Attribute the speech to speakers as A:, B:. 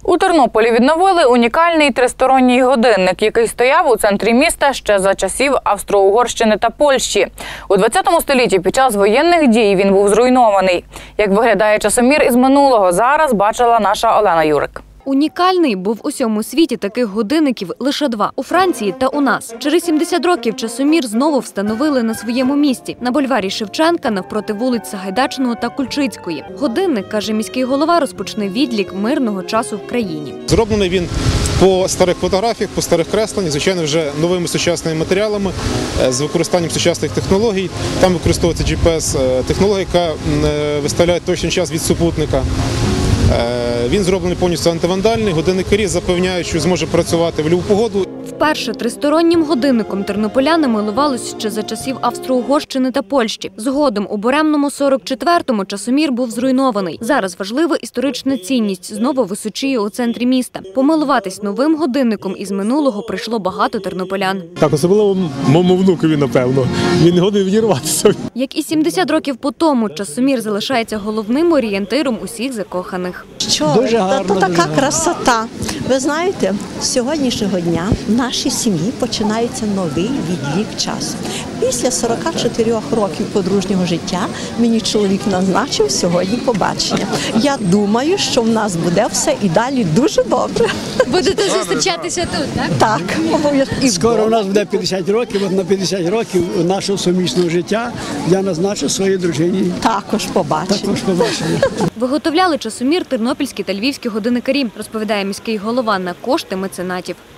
A: У Тернополі відновили унікальний тристоронній годинник, який стояв у центрі міста ще за часів Австро-Угорщини та Польщі. У 20 столітті під час воєнних дій він був зруйнований. Як виглядає часомір із минулого, зараз бачила наша Олена Юрик.
B: Унікальний, бо в усьому світі таких годинників лише 2 – у Франції та у нас. Через 70 років часомір знову встановили на своєму місці – на бульварі Шевченка, навпроти вулиць Сагайдачного та Кульчицької. Годинник, каже міський голова, розпочне відлік мирного часу в країні.
C: Зроблений він по старих фотографіях, по старих кресленнях, звичайно, вже новими сучасними матеріалами, з використанням сучасних технологій. Там використовується GPS-технологія, яка виставляє точний час від супутника. Він зроблений повністю антивандальний, годинникарі запевняють, що зможе працювати в будь-яку погоду.
B: Вперше тристороннім годинником тернополяни милувались ще за часів Австро-Угорщини та Польщі. Згодом у буремному 44-му часомір був зруйнований. Зараз важлива історична цінність знову височіє у центрі міста. Помилуватись новим годинником із минулого прийшло багато тернополян.
D: Так, особливо моєму внукові, напевно. Він не годний відірватися.
B: Як і 70 років по тому, часомір залишається головним орієнтиром усіх закоханих.
E: Дуже гарно, така красота. Ви знаєте, з сьогоднішнього дня в нашій сім'ї починається новий відлік часу. Після 44 років подружнього життя мені чоловік назначив сьогодні побачення. Я думаю, що в нас буде все і далі дуже добре.
B: Будете зустрічатися тут, так?
E: Так, обов'язково.
F: Скоро у нас буде 50 років, от на 50 років нашого сумісного життя я назначу своїй дружині.
E: Також побачення.
B: Виготовляли часомір тернопільські та львівські годинникарі, розповідає міський голова, на кошти меценатів.